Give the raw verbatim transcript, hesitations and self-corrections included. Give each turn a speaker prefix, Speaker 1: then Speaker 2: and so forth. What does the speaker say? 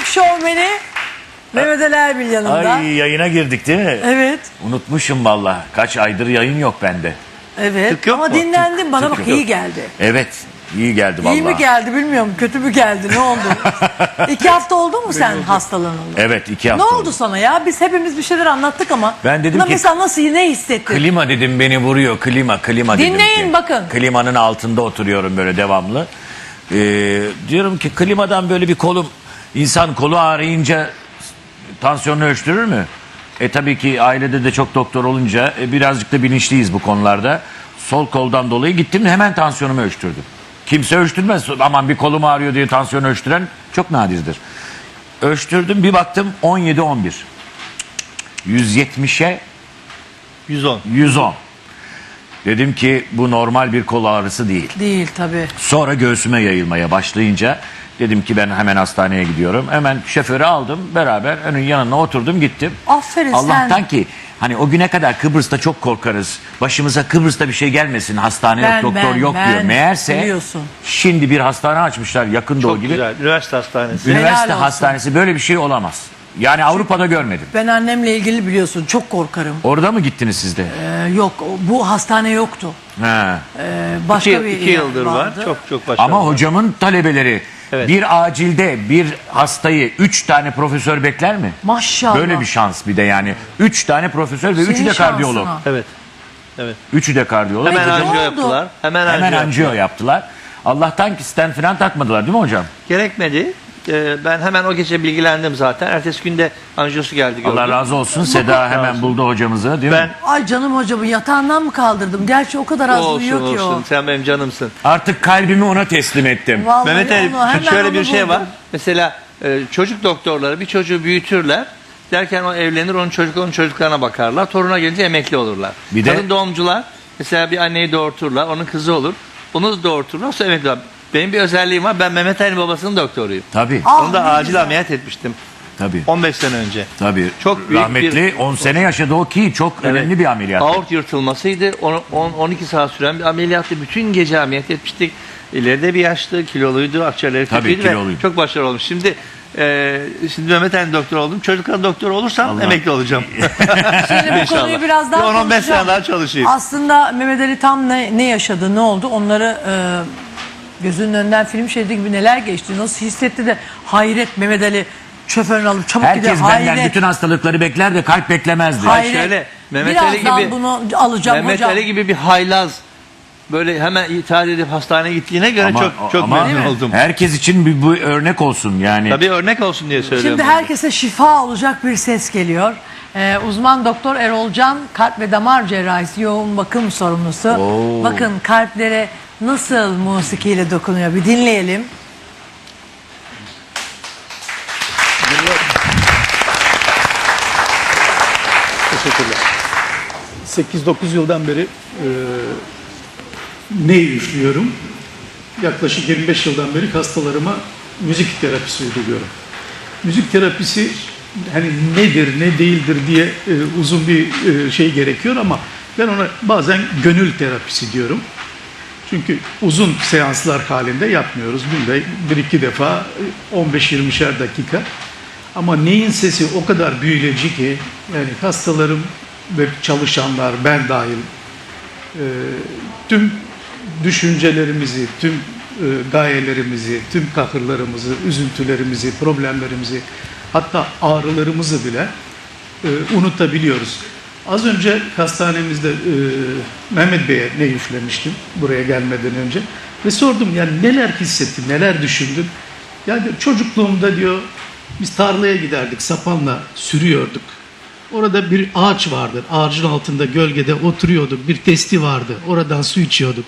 Speaker 1: şovmeni Mehmet Ali Erbil yanında.
Speaker 2: Ay, yayına girdik değil mi?
Speaker 1: Evet.
Speaker 2: Unutmuşum valla. Kaç aydır yayın yok bende.
Speaker 1: Evet.
Speaker 3: Tık yok
Speaker 1: Ama
Speaker 3: mu?
Speaker 1: dinlendim. Bana
Speaker 2: tık
Speaker 1: bak
Speaker 2: yok.
Speaker 1: iyi geldi.
Speaker 2: Evet. iyi geldi valla.
Speaker 1: İyi mi geldi bilmiyorum. Kötü mü geldi? Ne oldu? İki hafta oldu mu sen hastalanalı?
Speaker 2: Evet, iki
Speaker 1: Ne
Speaker 2: hafta
Speaker 1: oldu sana ya? Biz hepimiz bir şeyler anlattık ama.
Speaker 2: Ben dedim
Speaker 1: buna
Speaker 2: ki-
Speaker 1: mesela nasıl, ne hissettin?
Speaker 2: Klima dedim, beni vuruyor. Klima, klima dedim
Speaker 1: Dinleyin
Speaker 2: ki.
Speaker 1: bakın.
Speaker 2: Klimanın altında oturuyorum böyle devamlı. Ee, diyorum ki klimadan böyle bir kolum, insan kolu ağrıyınca tansiyonunu ölçtürür mü? E tabii ki ailede de çok doktor olunca e, birazcık da bilinçliyiz bu konularda. Sol koldan dolayı gittim, hemen tansiyonumu ölçtürdüm. Kimse ölçtürmez. Aman bir kolum ağrıyor diye tansiyon ölçtüren çok nadirdir. Ölçtürdüm, bir baktım on yedi on bir. yüz yetmişe
Speaker 3: yüz on.
Speaker 2: yüz on. Dedim ki bu normal bir kol ağrısı değil.
Speaker 1: Değil tabii.
Speaker 2: Sonra göğsüme yayılmaya başlayınca dedim ki ben hemen hastaneye gidiyorum. Hemen şoförü aldım, beraber onun yanına oturdum, gittim.
Speaker 1: Aferin
Speaker 2: Allah'tan
Speaker 1: sen.
Speaker 2: ki hani o güne kadar Kıbrıs'ta çok korkarız. Başımıza Kıbrıs'ta bir şey gelmesin, hastane
Speaker 1: Ben,
Speaker 2: yok, doktor
Speaker 1: ben,
Speaker 2: yok
Speaker 1: ben.
Speaker 2: diyor. Meğerse
Speaker 1: Biliyorsun.
Speaker 2: şimdi bir hastane açmışlar yakın doğu
Speaker 3: Çok
Speaker 2: gibi.
Speaker 3: güzel. Üniversite hastanesi.
Speaker 2: Üniversite
Speaker 1: Helal olsun.
Speaker 2: hastanesi, böyle bir şey olamaz. Yani Avrupa'da görmedim.
Speaker 1: Ben annemle ilgili biliyorsun çok korkarım.
Speaker 2: Orada mı gittiniz siz de?
Speaker 1: Ee, yok o- bu hastane yoktu.
Speaker 2: He.
Speaker 1: Ee, başka
Speaker 3: İki,
Speaker 1: bir
Speaker 3: iki
Speaker 1: yer
Speaker 3: yıldır var.
Speaker 1: vardı.
Speaker 3: Çok çok başarılı.
Speaker 2: Ama hocamın talebeleri
Speaker 3: Evet.
Speaker 2: bir acilde bir hastayı üç tane profesör bekler mi?
Speaker 1: Maşallah.
Speaker 2: Böyle bir şans bir de yani. Üç tane profesör ve
Speaker 1: Senin
Speaker 2: üçü de kardiyolog.
Speaker 1: şansına.
Speaker 3: Evet. Evet.
Speaker 2: Üçü de kardiyolog.
Speaker 3: Hemen
Speaker 1: Peki, ne
Speaker 3: anjiyo
Speaker 1: oldu?
Speaker 3: yaptılar. Hemen,
Speaker 2: Hemen
Speaker 3: anjiyo
Speaker 2: anjiyo
Speaker 3: yaptılar.
Speaker 2: yaptılar. Allah'tan ki stent falan takmadılar değil mi hocam?
Speaker 3: Gerekmedi. Ee, ben hemen o gece bilgilendim zaten. Ertesi günde anjiyosu geldi gördüm.
Speaker 2: Allah razı olsun. Seda hemen
Speaker 3: olsun.
Speaker 2: buldu hocamızı değil
Speaker 3: Ben
Speaker 2: mi?
Speaker 1: Ay canım hocamı yatağından mı kaldırdım? Gerçi o kadar az
Speaker 3: olsun
Speaker 1: uyuyor ki
Speaker 3: olsun.
Speaker 1: o.
Speaker 3: Sen benim canımsın.
Speaker 2: Artık kalbimi ona teslim ettim.
Speaker 1: Vallahi
Speaker 3: Mehmet Ali,
Speaker 1: onu, hemen
Speaker 3: şöyle
Speaker 1: onu
Speaker 3: bir şey
Speaker 1: buldum.
Speaker 3: var. Mesela e, çocuk doktorları bir çocuğu büyütürler. Derken o evlenir, onun çocuk onun çocuklarına bakarlar. Toruna gelince emekli olurlar.
Speaker 2: Bir de-
Speaker 3: Kadın doğumcular mesela bir anneyi doğurturlar. Onun kızı olur. Onu da doğurturlar. Sonra emekli olur. Benim bir özelliğim var. Ben Mehmet Ali'nin babasının doktoruyum.
Speaker 2: Tabii.
Speaker 1: Ah,
Speaker 3: Onu da
Speaker 1: ne
Speaker 3: acil
Speaker 1: güzel.
Speaker 3: ameliyat etmiştim.
Speaker 2: Tabii.
Speaker 3: on beş sene önce.
Speaker 2: Tabii.
Speaker 3: Çok büyük
Speaker 2: Rahmetli
Speaker 3: bir-
Speaker 2: on sene yaşadı o ki çok önemli bir ameliyat.
Speaker 3: Aort yırtılmasıydı. on on iki saat süren bir ameliyattı. Bütün gece ameliyat etmiştik. İleride bir yaşlı, kiloluydu, akciğerleri
Speaker 2: Tabii,
Speaker 3: kötüydü ve
Speaker 2: kiloluydu.
Speaker 3: çok başarılı olmuş. Şimdi e, şimdi Mehmet Ali doktor oldum. Çocuklar doktor olursam
Speaker 2: Allah.
Speaker 3: emekli olacağım.
Speaker 1: Şimdi bu
Speaker 3: İnşallah.
Speaker 1: konuyu biraz daha
Speaker 3: Bir on on beş
Speaker 1: konuşacağım.
Speaker 3: sene daha çalışayım.
Speaker 1: Aslında Mehmet Ali tam ne, ne yaşadı, ne oldu onları e, gözünün önünden film şeridi gibi neler geçti, nasıl hissetti de hayret Mehmet Ali şoförünü alıp çabuk gider,
Speaker 2: Herkes benden
Speaker 1: hayret.
Speaker 2: bütün hastalıkları bekler de kalp beklemezdi.
Speaker 1: Hayret.
Speaker 3: şöyle, Mehmet Ali
Speaker 1: Birazdan
Speaker 3: gibi-
Speaker 1: bunu alacağım
Speaker 3: Mehmet
Speaker 1: hocam.
Speaker 3: Ali gibi bir haylaz böyle hemen ithal edip hastaneye gittiğine göre
Speaker 2: Ama-
Speaker 3: çok çok
Speaker 2: ama
Speaker 3: memnun oldum.
Speaker 2: herkes için bir, bu örnek olsun yani.
Speaker 3: Tabii örnek olsun diye söylüyorum.
Speaker 1: Şimdi herkese şifa olacak bir ses geliyor. Ee, uzman doktor Erol Can, kalp ve damar cerrahisi yoğun bakım sorumlusu.
Speaker 2: Oo.
Speaker 1: Bakın kalplere nasıl musikiyle dokunuyor, bir dinleyelim.
Speaker 3: Teşekkürler.
Speaker 4: sekiz dokuz yıldan beri e, neyi üflüyorum? Yaklaşık yirmi beş yıldan beri hastalarıma müzik terapisi uyguluyorum. Müzik terapisi hani nedir, ne değildir diye e, uzun bir e, şey gerekiyor ama ben ona bazen gönül terapisi diyorum. Çünkü uzun seanslar halinde yapmıyoruz. Günde bir iki defa on beş yirmişer dakika. Ama neyin sesi o kadar büyüleyici ki yani hastalarım ve çalışanlar ben dahil e, tüm düşüncelerimizi, tüm e, gayelerimizi, tüm kahırlarımızı, üzüntülerimizi, problemlerimizi hatta ağrılarımızı bile e, unutabiliyoruz. Az önce hastanemizde e, Mehmet Bey'e ne üflemiştim buraya gelmeden önce ve sordum yani neler hissettin, neler düşündün? Yani çocukluğumda diyor biz tarlaya giderdik, sapanla sürüyorduk. Orada bir ağaç vardı. Ağacın altında gölgede oturuyorduk. Bir testi vardı. Oradan su içiyorduk.